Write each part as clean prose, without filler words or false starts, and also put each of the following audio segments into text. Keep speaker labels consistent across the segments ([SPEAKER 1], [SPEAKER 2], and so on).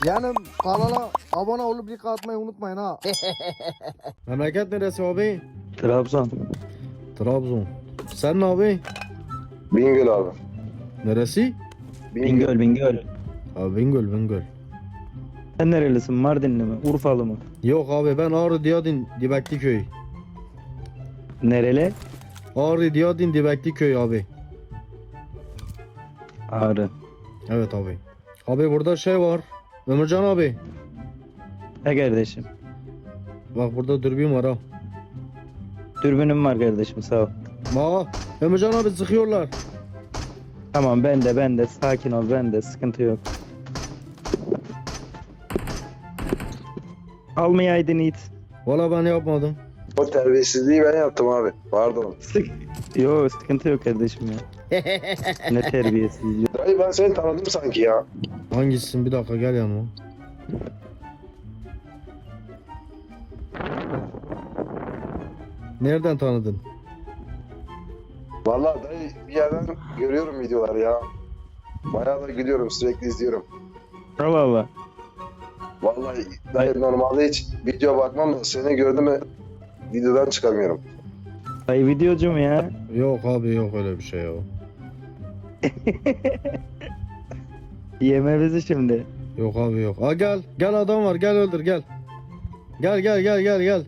[SPEAKER 1] Yani kanala abone olup like atmayı unutmayın ha. Memleket neresi abi?
[SPEAKER 2] Trabzon.
[SPEAKER 1] Trabzon. Sen ne abi?
[SPEAKER 3] Bingöl abi.
[SPEAKER 1] Neresi?
[SPEAKER 2] Bingöl, Bingöl.
[SPEAKER 1] Abi Bingöl.
[SPEAKER 2] Sen nerelisin? Mardinli mi? Urfalı mı?
[SPEAKER 1] Yok abi ben Ağrı Diyadin Dibekli köy.
[SPEAKER 2] Nereli?
[SPEAKER 1] Ağrı Diyadin Dibekli köy abi.
[SPEAKER 2] Ağrı.
[SPEAKER 1] Evet abi. Abi burada şey var. Ömürcan abi.
[SPEAKER 2] He kardeşim.
[SPEAKER 1] Bak burada dürbün var ha.
[SPEAKER 2] Dürbünüm var kardeşim, sağ ol.
[SPEAKER 1] Aa, Ömürcan abi sıkıyorlar.
[SPEAKER 2] Tamam, ben de sakin ol, ben de sıkıntı yok. Almayaydın it.
[SPEAKER 1] Valla ben yapmadım.
[SPEAKER 3] O terbiyesizliği ben yaptım abi. Pardon.
[SPEAKER 2] Yo, sıkıntı yok kardeşim ya. Ne terbiyesiz.
[SPEAKER 3] Dayı ben seni tanıdım sanki ya.
[SPEAKER 1] Hangisisin? Bir dakika gel yanıma. Nereden tanıdın?
[SPEAKER 3] Vallahi dayı bir yerden görüyorum videoları ya. Bayağı da gülüyorum, sürekli izliyorum.
[SPEAKER 2] Allah Allah.
[SPEAKER 3] Vallahi dayı normalde hiç video bakmam da seni gördüm mü videodan çıkamıyorum.
[SPEAKER 2] Ay videocu mu ya?
[SPEAKER 1] Yok abi yok öyle bir şey ya.
[SPEAKER 2] Yeme bizi şimdi.
[SPEAKER 1] Yok abi yok. Aa gel. Gel adam var gel öldür gel. Gel.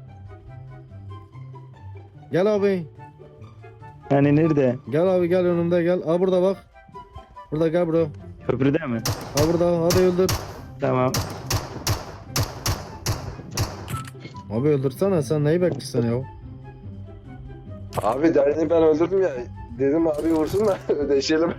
[SPEAKER 1] Gel abi.
[SPEAKER 2] Hani nerede?
[SPEAKER 1] Gel abi gel önümde gel. Aa burada bak. Burada gel bro.
[SPEAKER 2] Köprüde mi?
[SPEAKER 1] Aa burada hadi öldür.
[SPEAKER 2] Tamam.
[SPEAKER 1] Abi öldürsene sen neyi bekliyorsun ya?
[SPEAKER 3] Abi dayını ben öldürdüm ya. Dedim abi vursun da ödeşelim.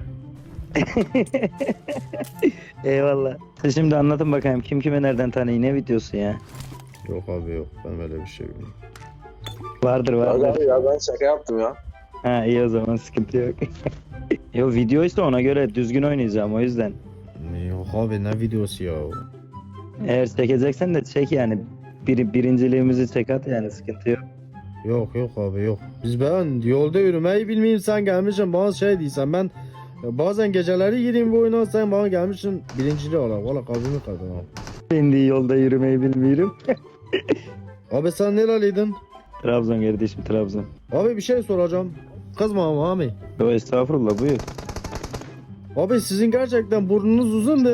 [SPEAKER 2] Eyvallah. Siz şimdi anlatın bakayım, kim kime nereden tanıyor, ne videosu ya?
[SPEAKER 1] Yok abi yok ben böyle bir şey bilmiyorum.
[SPEAKER 2] Vardır.
[SPEAKER 3] Abi ya ben şaka yaptım ya.
[SPEAKER 2] Ha, iyi, o zaman sıkıntı yok. Yo, videoysa ona göre düzgün oynayacağım, o yüzden.
[SPEAKER 1] Yok abi ne videosu ya?
[SPEAKER 2] Eğer çekeceksen de çek yani. Birinciliğimizi çek at yani, sıkıntı yok.
[SPEAKER 1] Yok abi yok. Ben yolda yürümeyi bilmeyeyim sen gelmişsin bana şey değilsen ben bazen geceleri gireyim bu oyuna sen bana gelmişsin birinciliği olarak. Valla kalbimi kırdın abi.
[SPEAKER 2] Ben de yolda yürümeyi bilmiyorum.
[SPEAKER 1] Abi sen nereliydin?
[SPEAKER 2] Trabzon kardeşim, Trabzon.
[SPEAKER 1] Abi bir şey soracağım. Kızma ama abi.
[SPEAKER 2] Yo, estağfurullah, buyur.
[SPEAKER 1] Abi sizin gerçekten burnunuz uzundur.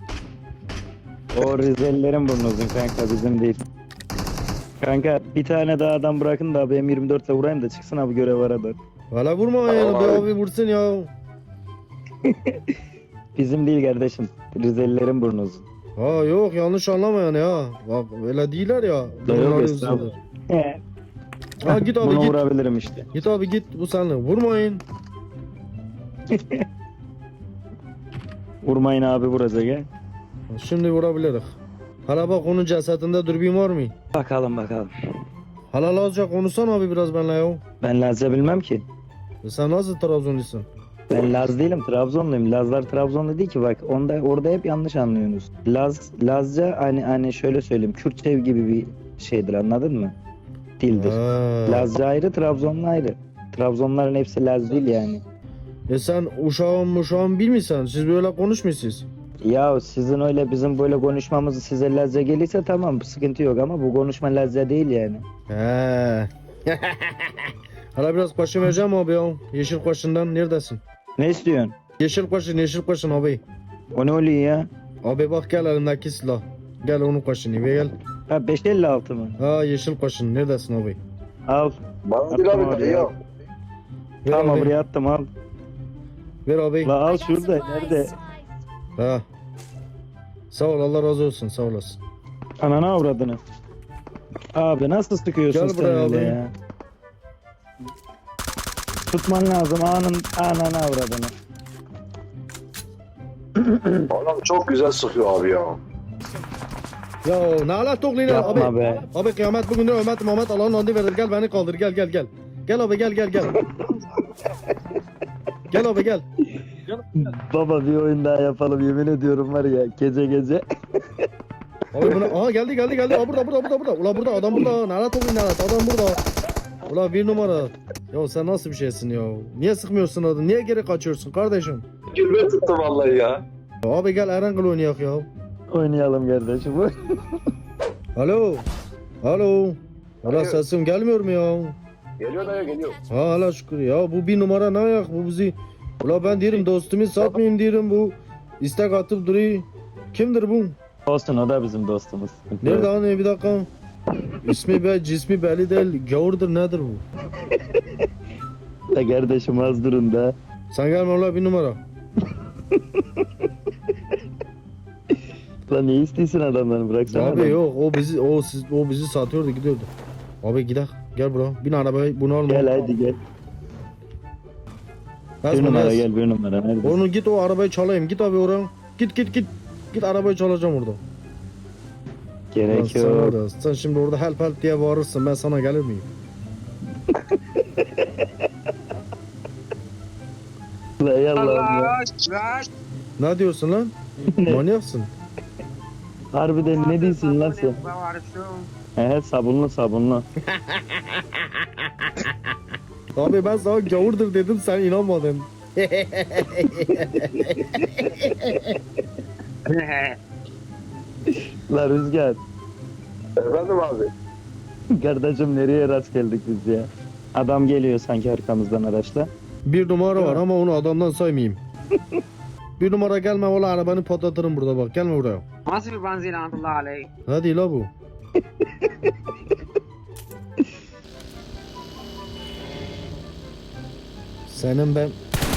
[SPEAKER 2] O Rizelilerin burnu uzun kanka, bizim değil. Kanka bir tane daha adam bırakın da abi M24 ile vurayım da çıksın abi, görev arada.
[SPEAKER 1] Valla vurma yani
[SPEAKER 3] Tamam
[SPEAKER 1] be
[SPEAKER 3] abi.
[SPEAKER 1] abi vursun ya.
[SPEAKER 2] Bizim değil kardeşim. Rizelilerin burnu uzun.
[SPEAKER 1] Ha yok yanlış anlama yani ya. Bak öyle değiller ya.
[SPEAKER 2] Da yok,
[SPEAKER 1] Burunları
[SPEAKER 2] estağfurullah.
[SPEAKER 1] uzundur. Ha git abi
[SPEAKER 2] Bunu
[SPEAKER 1] git.
[SPEAKER 2] vurabilirim işte.
[SPEAKER 1] Git abi git bu seninle. Vurmayın.
[SPEAKER 2] Vurmayın abi, vuracak ha.
[SPEAKER 1] Şimdi vurabiliriz. Hala bak onun cesedinde dürbün var mı?
[SPEAKER 2] Bakalım.
[SPEAKER 1] Hala Lazca konuşsana abi biraz benimle ya.
[SPEAKER 2] Ben Lazca bilmem ki.
[SPEAKER 1] Sen nasıl Trabzonlusun?
[SPEAKER 2] Ben Laz değilim, Trabzonluyum. Lazlar Trabzonlu değil ki, bak orada hep yanlış anlıyorsunuz. Lazca hani şöyle söyleyeyim, Kürtçe gibi bir şeydir, anladın mı? Dildir.
[SPEAKER 1] Ha.
[SPEAKER 2] Lazca ayrı, Trabzonlu ayrı. Trabzonların hepsi Laz değil yani.
[SPEAKER 1] Sen uşağım bilmiyorsan siz böyle konuşmuyorsunuz.
[SPEAKER 2] Ya sizin öyle bizim böyle konuşmamız size Lazca gelirse tamam, sıkıntı yok, ama bu konuşma Lazca değil yani.
[SPEAKER 1] He. Hala biraz kaşın vereceğim abi ya. Yeşil kaşından neredesin?
[SPEAKER 2] Ne istiyorsun?
[SPEAKER 1] Yeşil kaşın abi.
[SPEAKER 2] O ne oluyor ya?
[SPEAKER 1] Abi bak gel elindeki silah. Gel onun kaşını ve gel.
[SPEAKER 2] Ha, 556 mı?
[SPEAKER 1] Ha yeşil kaşın neredesin abi?
[SPEAKER 2] Al.
[SPEAKER 3] Bana değil
[SPEAKER 2] Attım
[SPEAKER 3] abi
[SPEAKER 2] abi
[SPEAKER 3] dayı
[SPEAKER 2] ya.
[SPEAKER 3] ya.
[SPEAKER 1] Ver
[SPEAKER 2] Tamam,
[SPEAKER 1] abi.
[SPEAKER 2] buraya attım, al.
[SPEAKER 1] Ver abi.
[SPEAKER 2] La al şurada, nerede?
[SPEAKER 1] Ha. Sağ ol Allah razı olsun sağ olasın.
[SPEAKER 2] Anana avradını. Abi nasıl sıkıyorsun
[SPEAKER 1] Gel
[SPEAKER 2] sen
[SPEAKER 1] buraya
[SPEAKER 2] öyle
[SPEAKER 1] abi.
[SPEAKER 2] ya? Tutman lazım anana avradını.
[SPEAKER 3] Adam çok güzel sıkıyor abi ya.
[SPEAKER 1] Ya ne ala toklayın abi.
[SPEAKER 2] Yapma be.
[SPEAKER 1] Abi kıyamet bugün Ömer Muhammed Allah'ın adı verir. Gel beni kaldır gel. Gel abi gel. Gel abi gel.
[SPEAKER 2] Baba bir oyun daha yapalım, yemin ediyorum var ya, gece.
[SPEAKER 1] Abi buna aha geldi. Aa burada. Ulan burada adam burada. Nerede toklayın adam burada. Ulan bir numara. Ya sen nasıl bir şeysin ya? Niye sıkmıyorsun adını? Niye geri kaçıyorsun kardeşim?
[SPEAKER 3] Gülme tuttu vallahi ya.
[SPEAKER 1] Abi gel Erangel oynayak ya.
[SPEAKER 2] Oynayalım kardeşim.
[SPEAKER 1] Alo. Alo. Hala
[SPEAKER 3] Alo.
[SPEAKER 1] sesim gelmiyor mu ya?
[SPEAKER 3] Geliyor dayı geliyor.
[SPEAKER 1] Ha hala şükür ya bu bir numara ne ayak bu bizi. Ula ben diyorum dostumu satmayayım diyorum bu. İstek atıp duruyor. Kimdir bu?
[SPEAKER 2] Olsun, o da bizim dostumuz. Sıkıntı
[SPEAKER 1] Nerede
[SPEAKER 2] yok.
[SPEAKER 1] hani bir dakika. İsmi cismi belli değil. Gavurdur nedir bu?
[SPEAKER 2] Da kardeşim az durun da.
[SPEAKER 1] Sen gelme ula bir numara.
[SPEAKER 2] Lan ne istiyorsun adamları, bıraksana.
[SPEAKER 1] Abi
[SPEAKER 2] adamı.
[SPEAKER 1] yok o bizi satıyordu gidiyordu. Abi gidelim. Gel bura. Bin arabaya bunu alma.
[SPEAKER 2] Gel hadi gel. Bir
[SPEAKER 1] Ezme,
[SPEAKER 2] numara
[SPEAKER 1] ez.
[SPEAKER 2] gel, bir numara. Neredesin?
[SPEAKER 1] Onu git o arabayı çalayım. Git abi oraya. Git. Git arabayı çalacağım orada. Lan
[SPEAKER 2] Gerek
[SPEAKER 1] sen,
[SPEAKER 2] yok.
[SPEAKER 1] orada, sen şimdi orada help diye bağırırsın. Ben sana gelir miyim?
[SPEAKER 2] La yallah ya.
[SPEAKER 1] Ne diyorsun lan? Manyaksın.
[SPEAKER 2] Harbiden ne diyorsun lan sen? Evet, sabunlu.
[SPEAKER 1] Abi ben sana gavurdur dedim sen inanmadın.
[SPEAKER 2] La Rüzgar.
[SPEAKER 3] Efendim abi.
[SPEAKER 2] Kardeşim nereye rast geldik biz ya? Adam geliyor sanki arkamızdan araçla.
[SPEAKER 1] Bir numara var ama onu adamdan saymayayım. Bir numara gelme valla arabanı patlatırım burada bak. Gelme buraya.
[SPEAKER 4] Nasıl bir benzin Allah aleyh.
[SPEAKER 1] Hadi la bu. Senin ben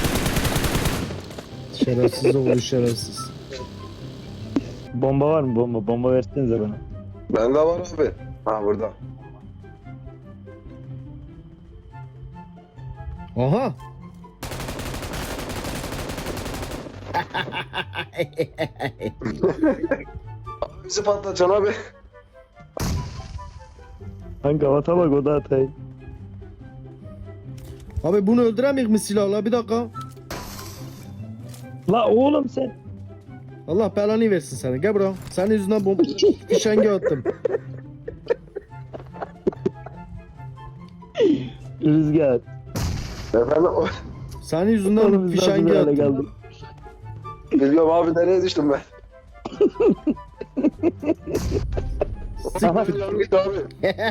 [SPEAKER 1] şerefsiz oğlu şerefsiz.
[SPEAKER 2] Bomba var mı bomba? Bomba versenize bana.
[SPEAKER 3] Bende var abi. Ha burada.
[SPEAKER 1] Aha.
[SPEAKER 3] Abi bizi patlatacaksın abi.
[SPEAKER 2] Kanka ata bak, o da atay.
[SPEAKER 1] Abi bunu öldüremeyik mi silahla bir dakika.
[SPEAKER 2] La oğlum sen.
[SPEAKER 1] Allah belanı versin seni. Gel buraya. Senin yüzünden bomba fişengi attım.
[SPEAKER 2] Rüzgar.
[SPEAKER 3] Efendim
[SPEAKER 1] Senin yüzünden
[SPEAKER 2] Oğlum biz nasıl
[SPEAKER 1] fişengi
[SPEAKER 2] bir hale
[SPEAKER 1] attım.
[SPEAKER 2] geldik?
[SPEAKER 3] biliyorum abi nereye düştüm ben.
[SPEAKER 1] Siktir.
[SPEAKER 3] Yanım gitti abi.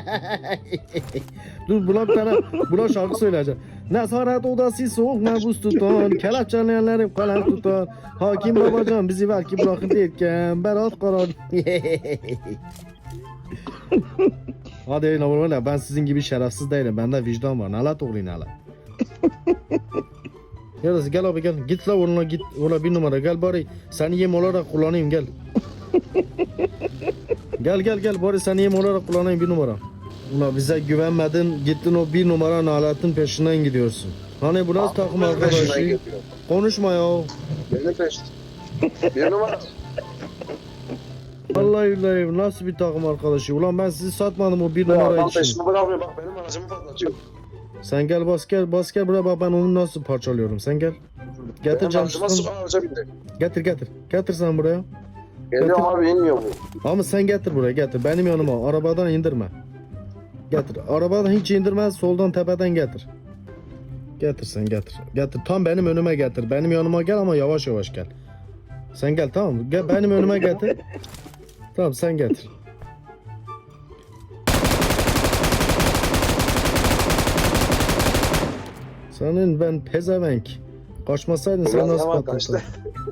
[SPEAKER 1] Dur buna şarkı söyleyeceğim. Nezaret odası soğuk nabuz tutan, kelepçeleyenleri kalem tutan. Hakim babacan bizi belki bırakın derken berat karar. Hadi öyle oğlum ben sizin gibi şerefsiz değilim. Bende vicdan var. Nalat oğlum nalat. Gel abi gel. Git la onunla git. Ona bir numara gel bari. Seni yem olarak kullanayım gel. Gel bari seni yem olarak kullanayım bir numara. Ulan bize güvenmedin gittin o bir numara naletin peşinden gidiyorsun. Hani bu nasıl takım
[SPEAKER 3] Benim peşimden
[SPEAKER 1] arkadaşı?
[SPEAKER 3] geliyor.
[SPEAKER 1] Konuşma ya.
[SPEAKER 3] Benim peşimden. Bir numara.
[SPEAKER 1] Vallahi billahi nasıl bir takım arkadaşı? Ulan ben sizi satmadım o bir
[SPEAKER 3] Ya
[SPEAKER 1] numara
[SPEAKER 3] adam
[SPEAKER 1] için.
[SPEAKER 3] peşimi bırakmıyor bak benim aracımı patlatıyor.
[SPEAKER 1] Sen gel bas gel buraya bak ben onu nasıl parçalıyorum. Sen gel. Getir
[SPEAKER 3] Benim aracıma
[SPEAKER 1] camsızın.
[SPEAKER 3] araca bindi.
[SPEAKER 1] Getir. Getir sen buraya.
[SPEAKER 3] Geliyorum abi inmiyor bu.
[SPEAKER 1] Ama sen getir buraya getir. Benim yanıma. Arabadan indirme. Getir. Arabadan hiç indirme. Soldan tepeden getir. Getir sen getir. Getir. Tam benim önüme getir. Benim yanıma gel ama yavaş yavaş gel. Sen gel tamam mı? Gel benim önüme getir. Tamam sen getir. Senin ben pezevenk. Kaçmasaydın sen
[SPEAKER 3] Biraz
[SPEAKER 1] nasıl
[SPEAKER 3] hemen
[SPEAKER 1] patlatırdın?
[SPEAKER 3] kaçtı.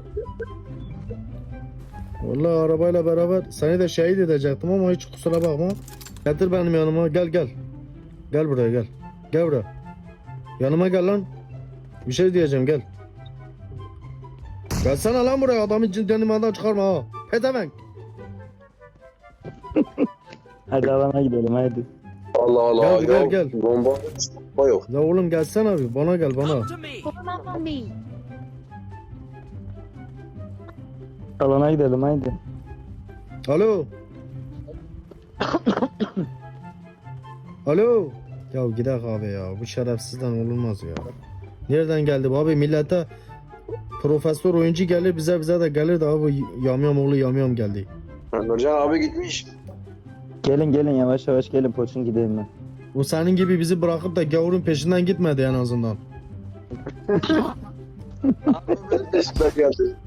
[SPEAKER 1] Vallahi arabayla beraber seni de şehit edecektim ama hiç kusura bakma. Getir benim yanıma gel. Gel buraya gel. Gel buraya. Yanıma gel lan. Bir şey diyeceğim gel. Gelsene lan buraya adamın cindenimden çıkarma ha. Pedevenk.
[SPEAKER 2] Hadi alana gidelim hadi.
[SPEAKER 3] Allah Allah.
[SPEAKER 1] Gel,
[SPEAKER 3] ya,
[SPEAKER 1] gel.
[SPEAKER 3] Bomba yok.
[SPEAKER 1] Ya oğlum gelsene abi bana gel bana.
[SPEAKER 5] Follow me.
[SPEAKER 2] Alana gidelim hadi.
[SPEAKER 1] Alo. Alo. Ya gidelim abi ya bu şerefsizden olmaz ya. Nereden geldi bu abi millete profesör oyuncu gelir bize de gelir de abi yamyam oğlu yamyam geldi.
[SPEAKER 3] Nurcan abi gitmiş.
[SPEAKER 2] Gelin yavaş yavaş gelin, poçun gidelim ben.
[SPEAKER 1] O senin gibi bizi bırakıp da gavurun peşinden gitmedi en azından.
[SPEAKER 3] Abi benim peşimden geldi.